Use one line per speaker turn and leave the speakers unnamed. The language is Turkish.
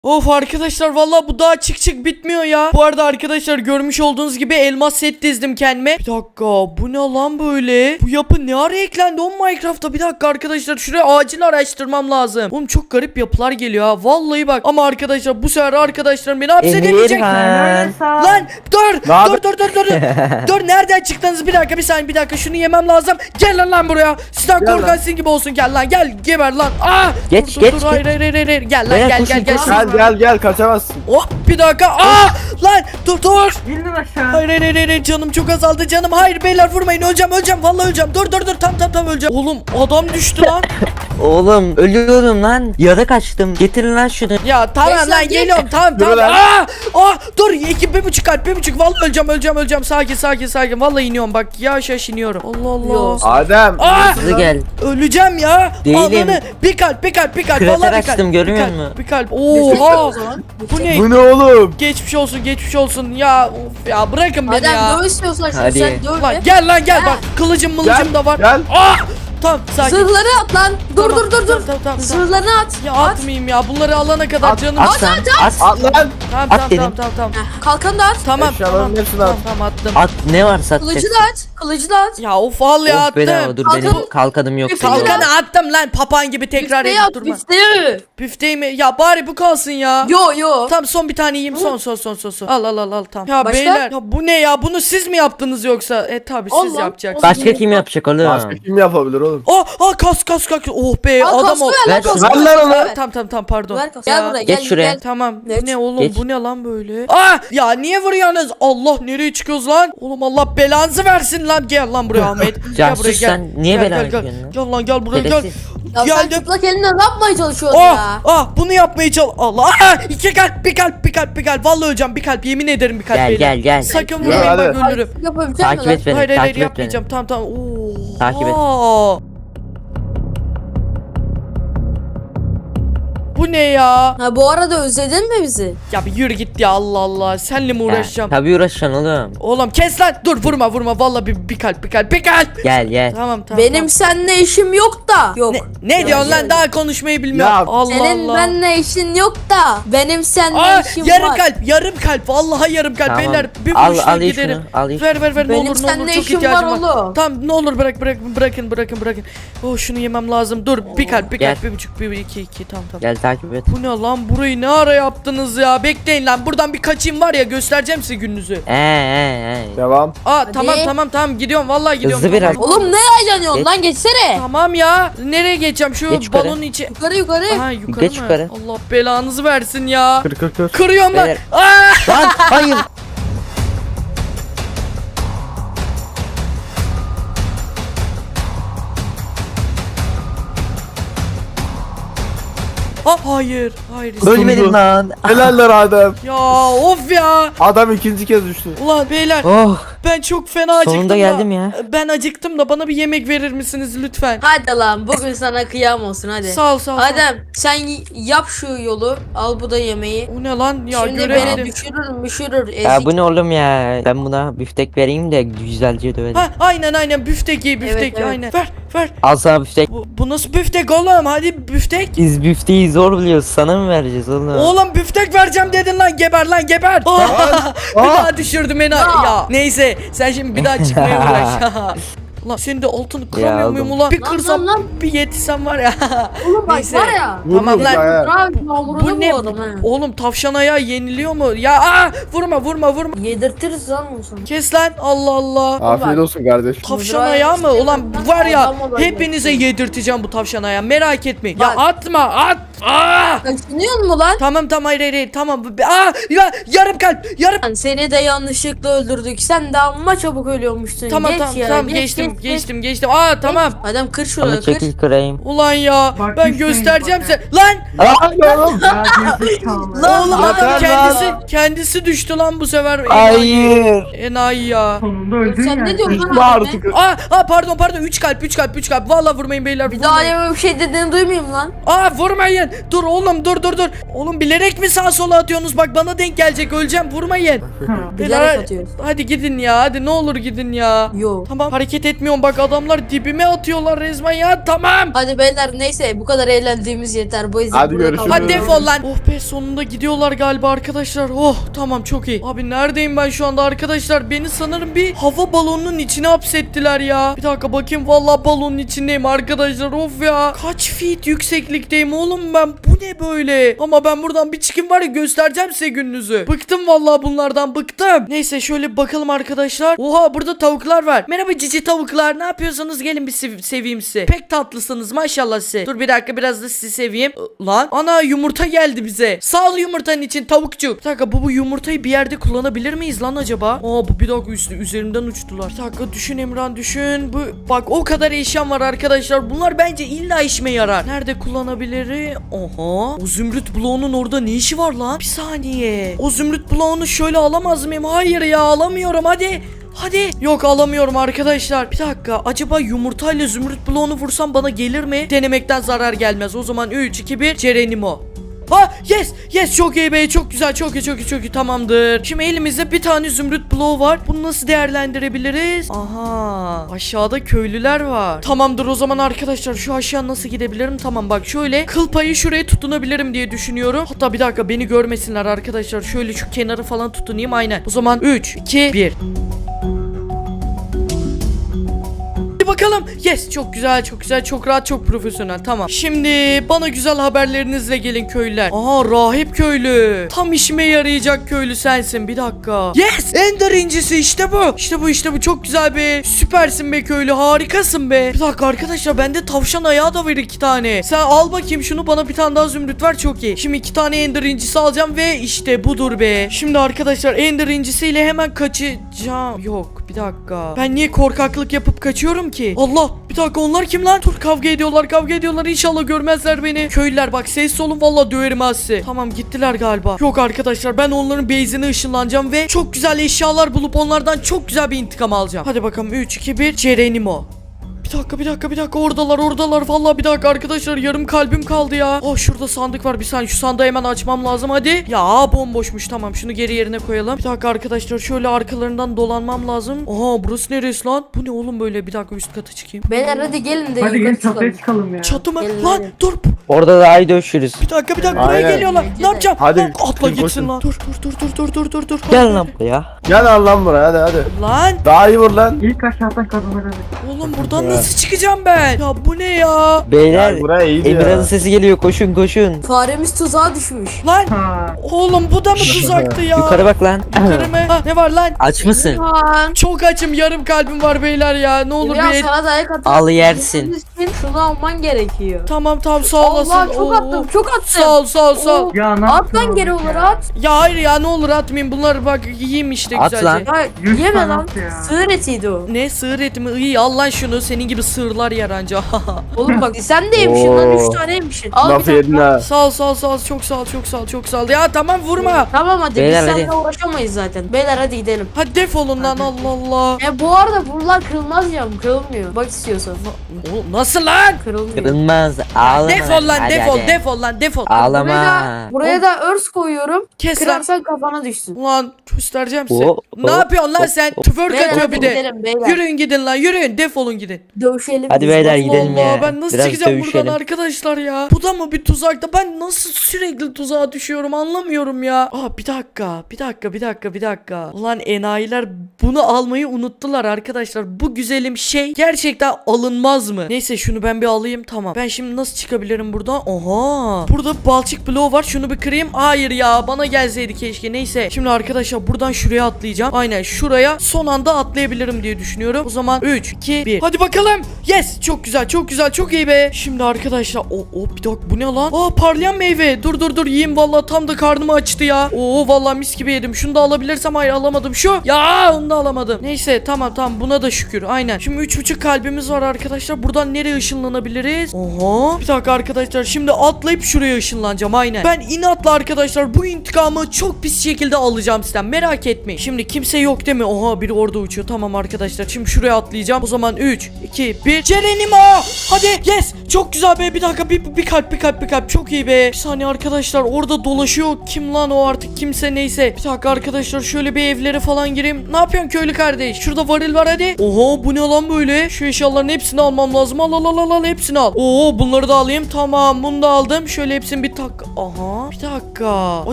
Of arkadaşlar vallahi bu daha çık bitmiyor ya. Bu arada arkadaşlar görmüş olduğunuz gibi elmas set dizdim kendime. Bir dakika, bu ne lan böyle? Bu yapı ne ara eklendi o Minecraft'ta? Bir dakika arkadaşlar, şuraya acil araştırmam lazım. Oğlum çok garip yapılar geliyor ha. Vallahi bak, ama arkadaşlar bu sefer arkadaşlarım beni hapsedemeyecek. Lan dur. Dur, nereden çıktınız? Bir dakika, bir saniye, bir dakika, şunu yemem lazım. Gel lan buraya. Sizden korkansın gibi olsun, gel lan, gel geber lan.
Geç.
Hayır. Gel lan, gel.
Gel kaçamazsın.
Oh, bir dakika. Lan dur.
İndim aşağı.
Hayır, canım çok azaldı canım. Hayır beyler, vurmayın, öleceğim. Vallahi öleceğim. Dur. Tam öleceğim. Oğlum adam düştü lan.
Oğlum ölüyorum lan. Yara kaçtım. Getirin lan şunu.
Ya tamam lan, geliyorum. Tamam.
Yürü lan.
Dur. 1,5 kalp. Vallahi öleceğim. Sakin. Vallahi iniyorum bak. Yavaş iniyorum. Allah.
Yok.
Adem.
Hızlı gel.
Öleceğim ya.
Değilim.
Ananı. Bir kalp.
Krater
Vallahi bir kalp.
açtım, görmüyor musun?
Bir kalp. Oha. Bu ne?
Bu ne oğlum?
Geçmiş olsun ya. Of ya, bırakın beni ya.
Adem döv istiyorsan
Hadi.
sen döv
Lan
be.
gel bak, kılıcım da var.
Gel.
Tamam, sakin.
Zırhları at lan.
Tamam,
Dur.
Tamam.
Zırhlarını at.
Ya
At.
atmayayım ya, bunları alana kadar
At,
canım.
At lan. At.
At lan.
Tamam.
Heh, kalkanı da at.
Tamam.
Eşyaların hepsini at.
Tamam, attım.
At, ne varsa at.
Kılıcı da at. Kılıcı da at.
Ya of, al ya,
Of bedava,
attım.
dur
Kalkan-
benim kalkanım yok.
Kalkan-
benim.
Kalkanı attım lan, papağan gibi tekrar
Büfteyi
edip
at.
durma.
Büfteyi.
Büfteyi mi? Ya bari bu kalsın ya.
Yo.
Tamam, son bir tane yiyeyim, son. Al tamam. Ya
Başka?
beyler, ya bu ne ya? Bunu siz mi yaptınız yoksa? Tabii siz
Allah.
yapacaksınız.
Başka kim yapacak oğlum?
Başka kim yapabilir oğlum?
Kas. Oh be,
Al
adam
kaskı
ol.
ver lan
Ver
kaskı.
şunu. Ver lan onu.
Ver.
Tamam, pardon.
Ver kaskı.
Ya,
Gel buraya
geç
gel.
şuraya.
Gel.
Tamam.
Geç.
Bu ne oğlum?
Geç.
Bu ne lan böyle? Ya niye vuruyorsunuz? Allah, nereye çıkıyoruz lan? Oğlum Allah belanızı versin lan. Gel lan buraya Ahmet. Gel
Casus,
buraya, gel.
sen niye
Gel,
bela
gel, gel.
yapıyorsun lan?
Gel lan, gel buraya, gel.
Şerefsiz.
Ya sen
Geldim.
çıplak elinle ne yapmaya çalışıyorsun ya?
Bunu yapmaya çalış. Allah. 2 kalp, bir kalp. Vallahi öleceğim, bir kalp. Yemin ederim bir kalp. beyler.
Gel.
Sakın
Ya,
vurmayın,
hadi.
bak ölürüm.
Yapabilecek
Takip
misin lan?
et beni.
Hayır,
Takip et beni.
yapmayacağım. Tamam. Oo.
Takip et.
Bu ne ya?
Ha bu arada özledin mi bizi?
Ya bir yürü git ya, Allah. Seninle mi uğraşacağım?
Tabii uğraşacaksın oğlum.
Oğlum kes lan. Dur, vurma. Vallahi bir kalp.
Gel.
Tamam.
Benim seninle işim yok da. Yok.
Ne diyorsun lan? Daha konuşmayı bilmiyorum.
Ya,
Allah
Senin
Allah.
benimle işin yok da. Benim seninle işim
yarım
var.
kalp. Vallahi yarım kalp.
Tamam.
Beyler bir
Al,
vuruşla
al,
giderim.
şunu, al, şunu.
Ver. Ne
Benim
olur
seninle
çok
işim
ihtiyacım
var oğlum.
Tamam, ne olur bırakın. Oh, şunu yemem lazım. Dur, bir kalp.
Gel.
1,5, 2. Tamam.
Gel takip et.
Bu ne lan? Burayı ne ara yaptınız ya? Bekleyin lan. Buradan bir kaçayım var ya, göstereceğim size gününüzü.
Devam.
Tamam. Gidiyorum. Vallahi gidiyorum.
Hızlı biraz.
Oğlum ne heyecanıyorsun lan geçsene.
Tamam ya. Nereye geçeceğim? Şu
Geç yukarı.
balonun içi.
Yukarı.
Aha, yukarı
Geç
mı?
yukarı.
Allah belanızı versin ya.
Kır.
Kırıyorum lan.
Beyler. Lan hayır.
Hayır.
Ölmedim lan.
Helaller Adem.
Ya of ya.
Adam ikinci kez düştü.
Ulan beyler,
Oh.
ben çok fena acıktım
Sonunda
da.
geldim ya.
Ben acıktım da bana bir yemek verir misiniz lütfen?
Hadi lan bugün sana kıyam olsun hadi.
Sağ ol.
Adem sen yap şu yolu. Al bu da yemeği.
O ne lan ya,
Şimdi beni
göremedim.
düşürür ezik.
Ya bu ne oğlum ya? Ben buna büftek vereyim de güzelce dövelim.
Aynen büftek ye, büftek
Evet.
aynen. Ver.
Al sana büftek.
Bu nasıl büftek oğlum? Hadi büftek.
Biz büfteyi zor biliyoruz. Sana mı vereceğiz oğlum?
Oğlum büftek vereceğim dedin lan, geber lan geber. Bir daha düşürdüm beni. Ya neyse, sen şimdi bir daha çıkmaya uğraş. Ulan senin de altını kıramıyor
Ya
muyum
oğlum.
ulan? Bir
Lan,
kırsam
lan.
bir yetsem var ya.
Oğlum bak
Neyse.
var ya.
Tamam lan.
Abi yağmurunu
Bu ne?
bu adam ha.
Oğlum tavşan ayağı yeniliyor mu? Ya vurma.
Yedirtiriz lan bunu sana.
Kes lan, Allah.
Afiyet olsun kardeş.
Tavşan
Mızrağı
ayağı mı?
yetiştirdim.
Ulan
Ben
var ya,
adam olayım.
hepinize yedirteceğim bu tavşan ayağı, merak etmeyin.
Bak.
Ya at.
Kaçınıyor mu lan?
Tamam hayır tamam. Ya yarım kalp.
Lan seni de yanlışlıkla öldürdük. Sen de amma çabuk ölüyormuşsun.
Tamam
Geç ya,
tamam
geç.
geçtim. Tamam.
Adam kır
Ama
şurayı kır.
çekil kırayım.
Ulan ya,
şey
ben
şey
Bakmışsın,
göstereceğim
bak.
sen. Lan
Oğlum.
Ya gerizekalı.
oğlum, adam
yeter lan.
kendisi düştü lan bu sefer.
Hayır.
Enayi ya.
Sonunda öldün
Sen
ya.
ne diyorsun lan
Var
abi?
artık.
Pardon 3 kalp. Vallahi vurmayın beyler.
Bir daha
vurmayın.
yeme bir şey dediğini duymayayım lan.
Vurmayın. Dur oğlum, dur. Oğlum bilerek mi sağa sola atıyorsunuz? Bak bana denk gelecek, öleceğim. Vurmayın.
Hı.
Bilerek atıyoruz.
Hadi gidin ya. Hadi ne olur gidin ya.
Yo.
Tamam, hareket bitmiyorum bak, adamlar dibime atıyorlar resmen ya. Tamam.
Hadi beyler neyse bu kadar eğlendiğimiz yeter. Bu yüzden
Hadi
burada
görüşürüz.
kalıyoruz.
Hadi defol lan. Oh be, sonunda gidiyorlar galiba arkadaşlar. Oh tamam, çok iyi. Abi neredeyim ben şu anda arkadaşlar? Beni sanırım bir hava balonunun içine hapsettiler ya. Bir dakika bakayım, vallahi balonun içindeyim arkadaşlar. Of ya. Kaç feet yükseklikteyim oğlum ben? Bu ne böyle? Ama ben buradan bir çıkayım var ya, göstereceğim size gününüzü. Bıktım vallahi bunlardan, bıktım. Neyse şöyle bir bakalım arkadaşlar. Oha, burada tavuklar var. Merhaba cici tavuklar. Ne yapıyorsunuz? Gelin bir seveyim sizi. Pek tatlısınız maşallah size. Dur bir dakika, biraz da sizi seveyim. Lan ana, yumurta geldi bize. Sağ ol yumurtanın için tavukçuk. Bir dakika, bu yumurtayı bir yerde kullanabilir miyiz lan acaba? Aa, bu bir dakika üzerimden uçtular. Bir dakika düşün Emran, düşün. Bu bak, o kadar eşyam var arkadaşlar. Bunlar bence illa işime yarar. Nerede kullanabilir? Oha. O zümrüt bloğunun orada ne işi var lan? Bir saniye. O zümrüt bloğunu şöyle alamaz mıyım? Hayır ya, alamıyorum. Hadi. Hadi. Yok, alamıyorum arkadaşlar. Bir dakika, acaba yumurtayla zümrüt bloğunu vursam bana gelir mi? Denemekten zarar gelmez. O zaman 3, 2, 1 Cerenimo. Ha, yes çok iyi be, çok güzel, çok iyi tamamdır. Şimdi elimizde bir tane zümrüt bloğu var. Bunu nasıl değerlendirebiliriz? Aha, aşağıda köylüler var. Tamamdır, o zaman arkadaşlar şu aşağı nasıl gidebilirim? Tamam bak, şöyle kıl payı şuraya tutunabilirim diye düşünüyorum. Hatta bir dakika, beni görmesinler arkadaşlar. Şöyle şu kenarı falan tutunayım, aynen. O zaman 3, 2, 1 bakalım. Yes, çok güzel, çok rahat, çok profesyonel. Tamam. Şimdi bana güzel haberlerinizle gelin köylüler. Aha, rahip köylü. Tam işime yarayacak köylü sensin. Bir dakika. Yes, Ender incisi, işte bu. İşte bu çok güzel be. Süpersin be köylü, harikasın be. Bir dakika arkadaşlar, bende tavşan ayağı da var 2 tane. Sen al bakayım şunu, bana bir tane daha zümrüt ver, çok iyi. Şimdi 2 tane Ender incisi alacağım ve işte budur be. Şimdi arkadaşlar Ender incisiyle hemen kaçacağım. Yok, bir dakika. Ben niye korkaklık yapıp kaçıyorum ki? Allah, bir dakika, onlar kim lan? Dur, kavga ediyorlar. İnşallah görmezler beni. Köylüler bak, sessiz olun, vallahi döverim ha sizi. Tamam, gittiler galiba. Yok arkadaşlar, ben onların base'ine ışınlanacağım ve çok güzel eşyalar bulup onlardan çok güzel bir intikam alacağım. Hadi bakalım, 3, 2, 1 Cerenimo. Bir dakika, oradalar vallahi. Bir dakika arkadaşlar, yarım kalbim kaldı ya. Oh, şurada sandık var, bir saniye, şu sandığı hemen açmam lazım, hadi. Ya bomboşmuş, tamam, şunu geri yerine koyalım. Bir dakika arkadaşlar, şöyle arkalarından dolanmam lazım. Aha, burası neresi lan? Bu ne oğlum böyle? Bir dakika, üst kata çıkayım.
Beyler hadi gelin de
Hadi
yukarı
gel çatıya
çıkalım.
çıkalım ya.
Çatı mı?
Gelin,
Lan
hadi.
dur.
Orada daha iyi dövüşürüz.
Bir dakika, buraya
Aynen.
geliyorlar. Ne yapacağım?
Hadi,
Lan, atla
koşun,
gitsin
koşun.
lan. Dur.
Gel lan buraya.
Gel al lan buraya, hadi.
Lan
Daha iyi vur lan.
İlk aşağıdan kazanır hadi.
oğlum, buradan nasıl çıkacağım ben? Ya bu ne ya?
Beyler,
Gel buraya, iyiydi
Emirhan'ın
ya.
sesi geliyor, koşun.
Faremiz tuzağa düşmüş.
Lan
Ha.
oğlum, bu da mı tuzaktı ya?
Yukarı bak lan.
Yukarı mı? Ha, ne var lan?
Aç mısın?
Lan.
Çok açım, yarım kalbim var beyler ya. Ne olur
Ya
bir
sana dayak atın.
Al yersin.
Şunu alman gerekiyor.
Tamam sağ olasın.
Allah, çok
Oo.
attım.
Sağ ol.
Ya ne
At
yaptın
lan
oğlum
geri
ya?
olur at.
Ya hayır ya, ne olur atmayayım. Bunlar bak, yiyeyim işte
At
güzelce.
lan.
Ya
100
yeme
tane
lan.
at ya.
Sığır etiydi o.
Ne sığır eti mi? İyi, al lan şunu. Senin gibi sığırlar yer anca.
Oğlum bak sen de yemişsin lan, 3 tane yemişsin. Al
Laf
bir
yedin
tane.
ha.
Sağ ol. Çok sağ ol. Ya tamam, vurma.
Tamam hadi,
Beyler,
biz seninle
hadi.
uğraşamayız zaten. Beyler hadi gidelim.
Hadi defolun lan, Allah Allah.
Bu arada buralar kırılmaz ya, kırılmıyor. Bak istiyorsan.
Oğlum, nasıl lan?
Kırılmıyor.
Kırılmaz. Ağlama.
Defol lan,
Hadi,
defol.
hadi. Ağlama.
Buraya da örs koyuyorum.
Kes lan.
Kırarsan kafana düşsün.
Ulan göstereceğim size.
Oo,
Ne
oo,
yapıyorsun lan
oo,
sen?
oo.
Tüförk
Beyler
atıyor
hadi
bir de.
gidelim beyler.
Yürüyün gidin lan, yürüyün, defolun gidin.
Dövüşelim.
Hadi
biz.
beyler,
Bak,
gidelim
Allah,
ya.
ben nasıl
Biraz
çıkacağım
dövüşelim.
buradan arkadaşlar ya? Bu da mı bir tuzakta? Ben nasıl sürekli tuzağa düşüyorum, anlamıyorum ya. Aa, bir dakika. Ulan enayiler bunu almayı unuttular arkadaşlar. Bu güzelim şey gerçekten alınmaz mı? Neyse, şunu ben bir alayım, tamam. Ben şimdi nasıl çıkabilirim buradan? Oha. Burada balçık bloğu var, şunu bir kırayım. Hayır ya, bana gelseydi keşke. Neyse. Şimdi arkadaşlar buradan şuraya atlayacağım. Aynen şuraya son anda atlayabilirim diye düşünüyorum. O zaman 3, 2, 1. Hadi bakalım. Yes. Çok güzel. Çok iyi be. Şimdi arkadaşlar. Bir dakika, bu ne lan? Aa, parlayan meyve. Dur yiyeyim, vallahi tam da karnımı açtı ya. Oo, vallahi mis gibi yedim. Şunu da alabilirsem, hayır alamadım. Şu. Ya onu da alamadım. Neyse, tamam buna da şükür. Aynen. Şimdi 3,5 kalbimiz var arkadaşlar. Buradan nereye ışınlanabiliriz? Oha. Bir dakika arkadaşlar. Şimdi atlayıp şuraya ışınlanacağım. Aynen. Ben inatla arkadaşlar bu intikamı çok pis şekilde alacağım sizden. Merak etmeyin. Şimdi kimse yok değil mi? Oha, biri orada uçuyor. Tamam arkadaşlar. Şimdi şuraya atlayacağım. O zaman 3, 2, 1. Cerenimo. Hadi. Yes. Çok güzel be. Bir dakika bir kalp. Çok iyi be. Bir saniye arkadaşlar, orada dolaşıyor. Kim lan o, artık kimse neyse. Bir dakika arkadaşlar, şöyle bir evlere falan gireyim. Ne yapıyorsun köylü kardeş? Şurada varil var hadi. Oho, bu ne lan böyle? Şu eşyaların hepsini almam lazım. Al hepsini al. Oo, bunları da alayım. Tamam, bunu da aldım. Şöyle hepsini bir tak. Aha. Bir dakika.